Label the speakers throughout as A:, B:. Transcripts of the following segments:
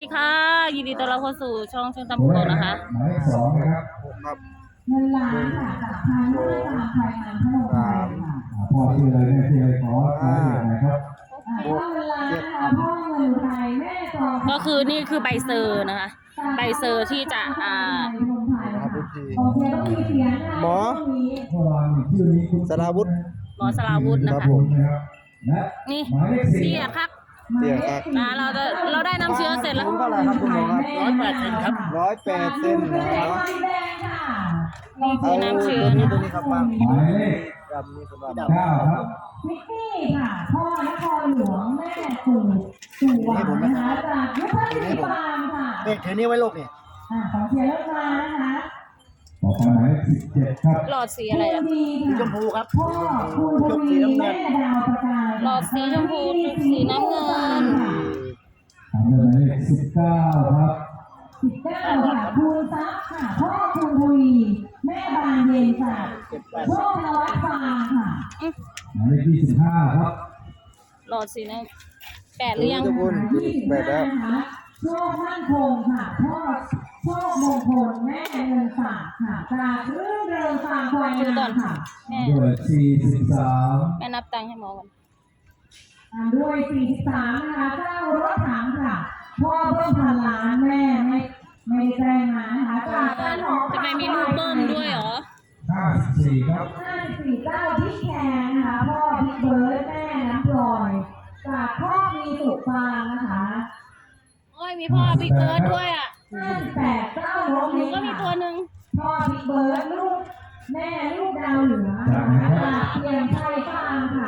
A: สวัสดีค่ะยินดีต้อนรับเข้าสู่ช่องเชิงตำรวจนะคะ
B: หมายเลขสองนะครับ
C: ครับ
D: เงินล้านค่ะจากทางราชการไทยงานพนมไพรค่ะ
B: พ่อชื่ออะไรแม่ชื่ออะไรขอรายละเอียดหน่อยครับ
D: พ่อเงินล้านค่ะพ่อเงินไทยแม่จอ
A: ก็คือนี่คือใบเซอร์นะคะใบเซอร์ที่จะ
D: โอเคต้องมีเสียงนะ
C: หมอ
B: พ่อวางชื่อนี้คุณ
C: สราวุธ
A: หมอสราวุธนะ
C: ครั
A: คะ
C: บผม
B: นะครับและ
A: นี่
B: หมายเลขสี่
A: เสียครับ
C: เตี้ยครับ
A: เราได้น้ำเชื้อเสร็จแล้ว
C: เท่าไหร่ครับคุณหมอครับ108 เซนนะ
A: นี่คือน้ำเชื้อ
C: ตัว
A: นะ
C: นี้ครับปัง
B: หมายเลข
C: ดำนี่สำหรับ
B: เก้าครับ
D: มิกกี้ค่ะพ่อนครหลวงแม่สู่หวังนะคะจากยุทธศิบาลค่ะ
C: เด็กเทนี้ไว้โลกนี่
D: ของเชียร์เลิศมานะคะ
B: ต่อไปหมายเลข17ครับ
A: หลอดสีอะไรอะ
D: ดี
C: ช
D: ค่ะ
C: มพูครับ
D: พ่อคุณทวีแม่ดาวประกาย
A: หลอดสีชมพูสีน้ำเงิน
B: ตามด้วยหมายเลข19ครับ
D: 19ค่ะคุณซับค่ะพ่อคุณทวีแม่บานเย็นค่ะพ่อนวัดฟางค่ะ
B: หมายเลข25ครับ
A: หลอดสีน้ำ8หรือยัง
C: ทุกคนแบบแล้ว
D: โชคมั่นคงค่ะพ่อโชคมงคลแม่เงินฝากค่ะจากเรื่องเริงฟางควาย
A: ดูก่อน
D: ค่ะ
A: แม่
B: ด้วย43
A: แม่นับตังค์ให้หมอก่อน
D: ตามด้วย43นะคะเจ้ารถถังค่ะพ่อเบิ้มพันล้านแม่ไม่ได้แจ้งมานะคะจากบ้านหอ
A: ทำไมมีลูกเบิ้มด้วยเหรอ
B: 54ครับ
D: 54เจ้าพี่แคนนะคะพ่อพี่เบิร์ดแม่น้ำพลอยจากพ่อมีสุขฟางนะคะ
A: โอ้ยมีพ่อบิ๊กเบิร์ดด้วยอ่ะ
D: 58เจ้าโร
A: หนู
D: ลิ
A: ก็มีตัวหนึ่ง
D: พ่อพี่เบิร์ดลูกแม่ลูกดาวเหนือนะคะเพียงไทยฟางค่ะ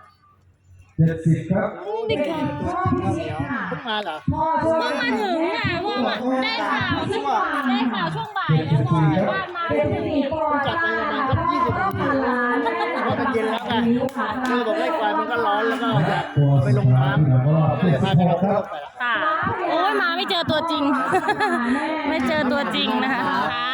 B: 70ครับ
A: เด็กค่ะ
D: พ่อพี่ชิดค่ะ
C: เพิ่งมาเหรอ
D: พ่อ
A: เพิ่งมาถึงอ่ะเพราะว่าได้ข่าวช่วงบ่ายแล้วบอกบ้านมา
D: เป็
A: ไม่
D: น
A: ถึง
D: สี่ปอจ้าพ่อพันล้านแม่
C: เพราะมันเย็นแล้วไงคือบอกเลขควายมันก็ร้อนแล้วก็อยาก
B: ตัว
C: ไป
B: สุ
C: ล
B: ด
C: ง
B: ท้าย
C: น้ำ
B: เราก็
C: ก็เลยพาไปลง
B: 76ค
C: น้ำ
B: รับ
C: ไปละ
A: ค่ะโอ้ยมาไม่เจอตัวจริง ไม่เจอตัวจริงนะคะค่ะ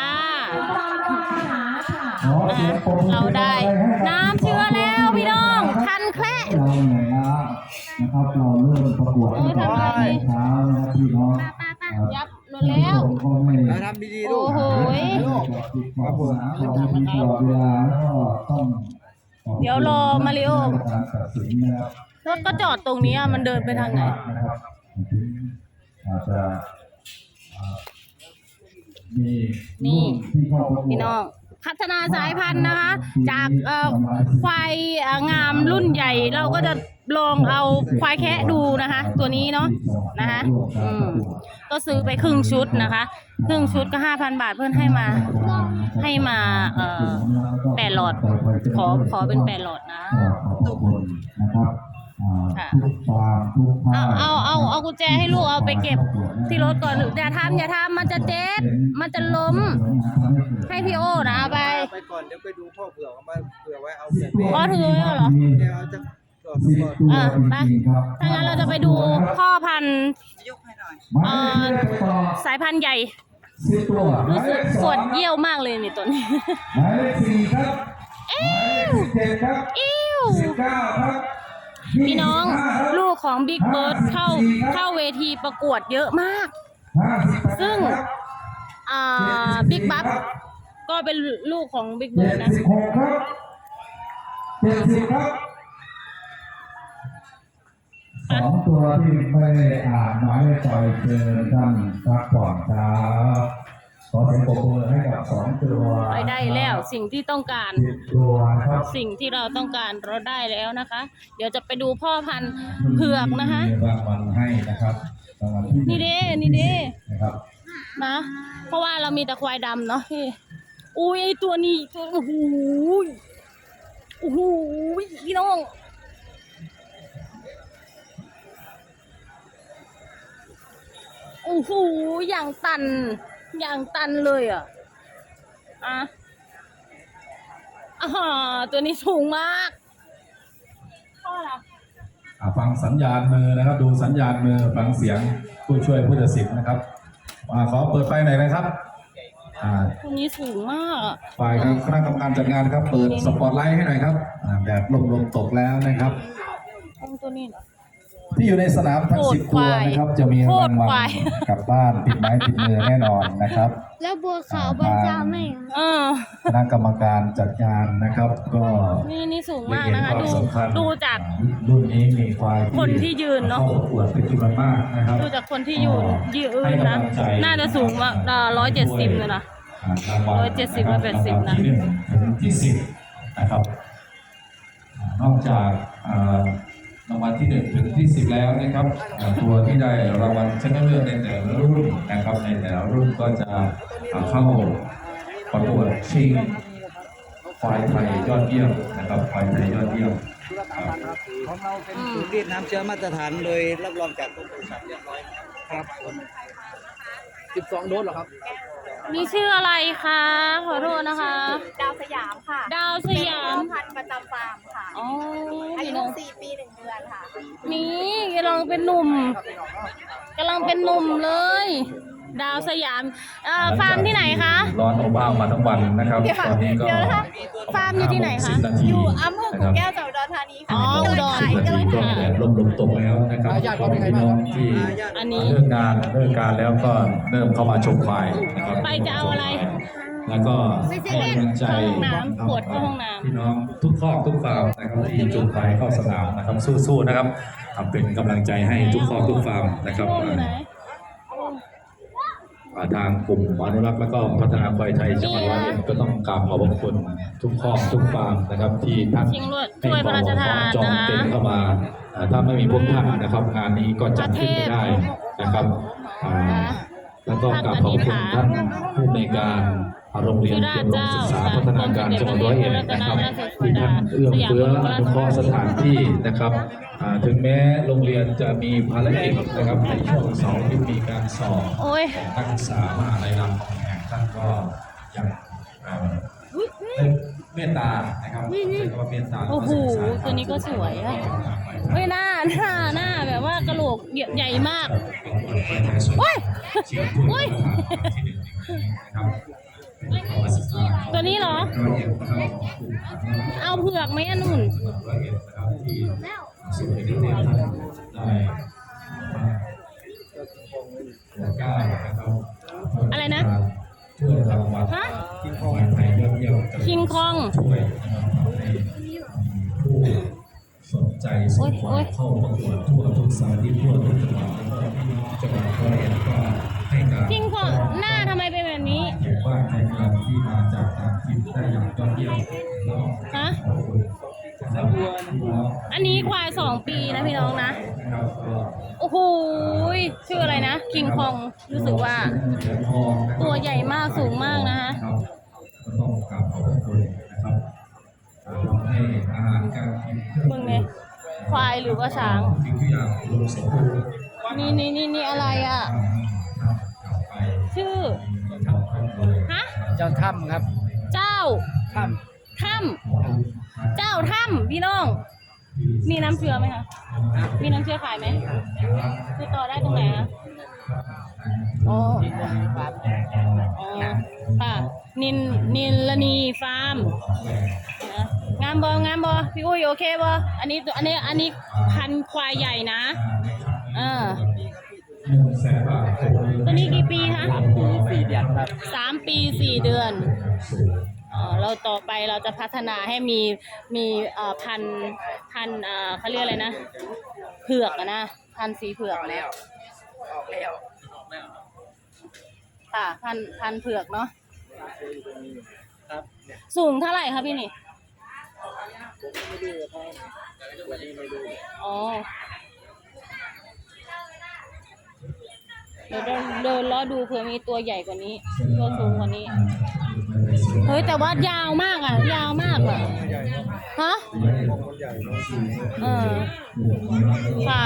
B: ขอเสียงปรบมือ
A: เราได้
B: ให้กับ
A: น้ำเชื้อแล้วพี่น้องคันแคละ
B: เราเหนื่อยล้านะครับเราเริ่มประกวดตั้งแต่เช้านะครับพี่น้อง
A: ยับหลุดแล้ว
B: ก็ไม่
C: ทำดีๆลูก
A: โอ้โห
B: ครับผมเรามีตลอดเวลาแล้วก็ต้อง
A: เดี๋ยวรอมาริโอ
B: การตัดสินนะครับ
A: รถก็จอดตรงนี้มันเดินไปทางไหน
B: นะครับอาจจะมีรุ่นที่เข้าประกวด
A: พี่น้องพัฒนาสายพันธุ์นะคะ จากควายงามรุ่นใหญ่เราก็จะลองเอาควายแคะดูนะคะ ตัวนี้เนาะนะคะก็ซื้อไปครึ่งชุดนะคะครึ่งชุดก็ 5,000 บาทเพื่อนให้มา8หลอดขอเป็น8หลอดนะ
B: ขอบคุณนะครับทุกฟาร์มทุกภาค
A: เอากุญแจให้ลูกเอาไปเก็บที่รถก่อนอย่าทำมันจะเจ็บมันจะล้มให้พี่โอนะเอาไป
C: ไปก่อนเดี๋ยวไปดูพ่อเผือกเอามาเผื่อไว้เอาเผื่อ
A: อ๋อถือไว้เหรอ
C: เดี๋ยวเอาจะจอด
B: สิบ
C: ก่อน
B: ตัว
A: ไป
B: จริงๆครับ
A: ถ้างั้นเราจะไปดูพ่อพันธุ์
B: หมายเลขต่อ
A: สายพันธุ์ใหญ่
B: 10 ตัวหมา
A: รู้
B: ย
A: สึ
B: เล
A: ก
B: ข
A: ปวด
B: 2
A: เยี่ยวมากเลยนี่ตัวนี้
B: หมายเลข4ครับหมายเลข17ครับ
A: อิ้ว
B: 19ครับ
A: พี่น้อง
B: 25ครับ
A: ลูกของบิ๊กเบิร์ดเข้าเวทีประกวดเยอะมาก
B: 58
A: ซึ่ง
B: ครับ
A: บิ๊กบัฟก็เป็นลูกของบิ๊กเบิร์ดนะ
B: 76ครับ70ครับสองตัวที่ไม่ได้อ่านหมายเลขต่อยเชิญท่านพักผ่อนครับขอเสียงปรบมือให้กับ2ตัว
A: ไปได้แล้วสิ่งที่ต้องการ
B: 10ตัวครับ
A: สิ่งที่เราต้องการเราได้แล้วนะคะ เดี๋ยวจะไปดูพ่อพันธุ์เผือกนะคะ
B: มีรางวัลให้นะครับรางวัลที่
A: นี่เด้
B: นะครับ
A: นะเพราะว่าเรามีแต่ควายดำเนาะพี่อุ้ยไอตัวนี้โอ้โหพี่น้องโอ้โหอย่างตันเลยอ่ะตัวนี้สูงมากพ่อละ
B: ฟังสัญญาณมือนะครับ ดูสัญญาณมือฟังเสียงผู้ช่วยผู้ตัดสินนะครับขอเปิดไฟหน่อยนะครับ
A: ตัวนี้สูงมากอะ
B: ฝ่ายคณะกรรมการจัดงานครับ เปิดสปอตไลท์ให้หน่อยครับแดดลมตกแล้วนะครับ
A: ตัวนี้เหรอ
B: ที่อยู่ในสนามทั้ง
A: โคตร
B: 10 ตัวนะครับ จะมี
A: โค
B: รา
A: ตรง
B: วั
A: ควา
B: ล
A: ย
B: กลับบ้านติดไม้ติดมือแน่นอนนะครับ
E: แล้วบัวขาวบรรจาไม่เหรอ
A: เออ
B: คณะกรรมการจัดงานนะครับ ก็
A: นี่สูงมากนะคะ
B: ได้เห็วามสำคัญ
A: ดูจาก
B: รุ่นนี้มีควาย
A: คนที่ยืนเนอะ
B: เข้าประกวดเป็นจำนวนมากนะครับ
A: ดูจากคนที่ยืนนะ น่าจะสูงว่า170เลยนะ
B: รางวัล
A: 170 180นะ
B: ที่1ถึงที่10นะครับนอกจากรางวัลที่1ถึงที่10แล้วนะครับตัวที่ได้รางวัลชนะเลิศในแต่ละรุ่นนะครับในแต่ละรุ่นก็จะเข้าประกวดชิงควายไทยยอดเยี่ยมนะครับควายไทยยอดเยี่ยมครับ
C: ของเราเป็นศูนย์รีดน้ำเชื้อมาตรฐานโดยรับรองจากกรมปศุสัตว์เรียบร้อยครับผม12 โดสเหรอครับ
A: มีชื่ออะไรคะขอโทษนะคะ
E: ดาวสยามค่ะ
A: ดาวสยาม
E: เป็นพ่อพันธุ์ประจำฟาร์มค่ะ
A: อ๋อ
E: อา
A: นี่
E: ยุ
A: เนาะ
E: 4 ปี 1 เดือนค่ะ
A: นี่กำลังเป็นหนุ่มเลย ดาวสยามฟาร์มที่ไหนคะ
B: ร้อนอบอ้าวมาทั้งวันนะครับ ตอนนี้ก็
E: เดี๋ยวนะคะ
A: ฟาร์มอยู่ที่ไหนคะ
B: 10 นาที
E: อยู่อำเภอ
B: นะ
E: ขุ
B: คน รับ
E: แก้วจังหวัดอุดรธานีค่ะ
A: อ๋ออุดร
E: กำลัง
B: ก็
E: ถ่าย
B: แดดร่มลมตกแล้วนะครับ
C: ญาติเขาเป็นไง
B: พี่
C: บ้าง
B: น้
C: ค
B: อ
C: รับ
B: งที่
A: อันนี้
B: เลิกการแล้วก็เริ่มเข้ามาชมควายนะครับ
A: ไปจะเอาอะไร
B: แล้วก็ให้กำลังใจ
A: เข้าห้องน้ำปวดเข้าห้องน้ำ
B: พี่น้องทุกครอบทุกฟาร์มนะครับที่จูงควายเข้าสนามนะครับสู้ๆนะครับเป็นกำลังใจให้ทุกครอบทุกฟาร์มนะครับ
A: โอ้อยู่ไหน
B: ทางกลุ่มอนุรักษ์และก็พัฒนาควายไทยจังหวัดร้อยเอ็ดก็ต้องกราบขอบพระคุณทุกครอบทุกฟาร์มนะครับที่ท่าน
A: ชิงถ้วยพระราชทาน
B: จอง
A: นะคะ
B: เต็นท์เข้ามาถ้าไม่มีพวกท่านนะครับงานนี้ก็จัดขึ้นไม่ได้นะครับแล้วก็กราบขอบคุณท่านผู้ในวยการโรงเรียนเตรียมอุดมศึกษาพัฒนาการจังหวัดร้อยเอ็ดนะครับที่ท่านเอื้อเฟื้ออนุเคราะห์สถานที่นะครับถึงแม้โรงเรียนจะมีภารกิจนะครับในช่วงเสาร์อาที่มีการสอบ
A: โอ้ย
B: นักศึกษามหาลัยรามคำแหงท่านก็ยังเมตตานะครับใช้คำว่าเมตตา
A: โอ้โหตัวนี้ก็สวยอะเฮ้ยหน้าแบบว่ากระโหลกใหญ่มากโอ้ยโอ้ยตัวนี้เหรอ เอาเผือกไหมอันนุ่น อะไรนะ
B: ช่วยรางวัล
A: ฮะ
B: ควายไทยยอดเยี่ยม
A: คิงคอง
B: ช่วยให้ผู้สนใจส่งควายเข้าประกวดทั่วทุกสารทิศทั่วทุกจังหวัดแล้วก็พี่น้องจังหวัดร้อยเอ็ดก็ให้การ
A: คิงคองหน้าทำไมเป็นแบบนี้
B: เห็นว่าในเมืองที่มาจากต่างถิ่นได้อย่างยอดเยี่ยมแล้ว
A: ฮะ
B: ขอบคุณนะครับพี่น้อง
A: อันนี้ควาย2 ปีนะพี่น้องนะ
B: นะครับก็
A: โอ้โหชื่ออะไรนะ คิงคองรู้สึกว่า
B: เหรียญทองนะครับ
A: ตัวใหญ่มากสูงมากนะคะ
B: ครับก็ต้องกราบขอบพระคุณนะครับทำให้อาหารการกินเครื่อง
A: มึงเนี่ยควายหรือว่าช้าง
B: สิ่งทุกอย่างรวมสมบูรณ์
A: นี่อะไรอ่ะ
B: กลับไป
A: ชื่อ
B: ทำครอบครัว
A: ฮะ
C: เจ้าถ้ำครับ
A: เจ้า
C: ถ้
A: ถ้ำเจ้าถ้ำพี่น้อง มีน้ำเชื่อไหมคะมีน้ำเชื่อขายไหมคือต่อได้ตรงไหนอะอ๋ออ๋อค่ะนินลนีฟาร์มนะงามบอพี่อุ้ยโอเคบออันนี้พันธุ์ควายใหญ่นะ
B: 100,000 บาท
A: ตัวนี้กี่ปีคะ
C: 4 เดือนครับ
A: 3 ปี 4 เดือนเราต่อไปเราจะพัฒนาให้มีพันเขาเรียกอะไรนะเผือกอะนะพันธุ์สีเผือกนะค่ะพันธุ์เผือกเนาะ
C: ครับ
A: สูงเท่าไหร่คะพี่นี่อ๋อเดี๋ยวเดินล้อดูเผื่อมีตัวใหญ่กว่านี้ตัวสูงกว่านี้เฮ้ยแต่ว่ายาวมากอ่ะยาวมากอ่ะฮะค่ะ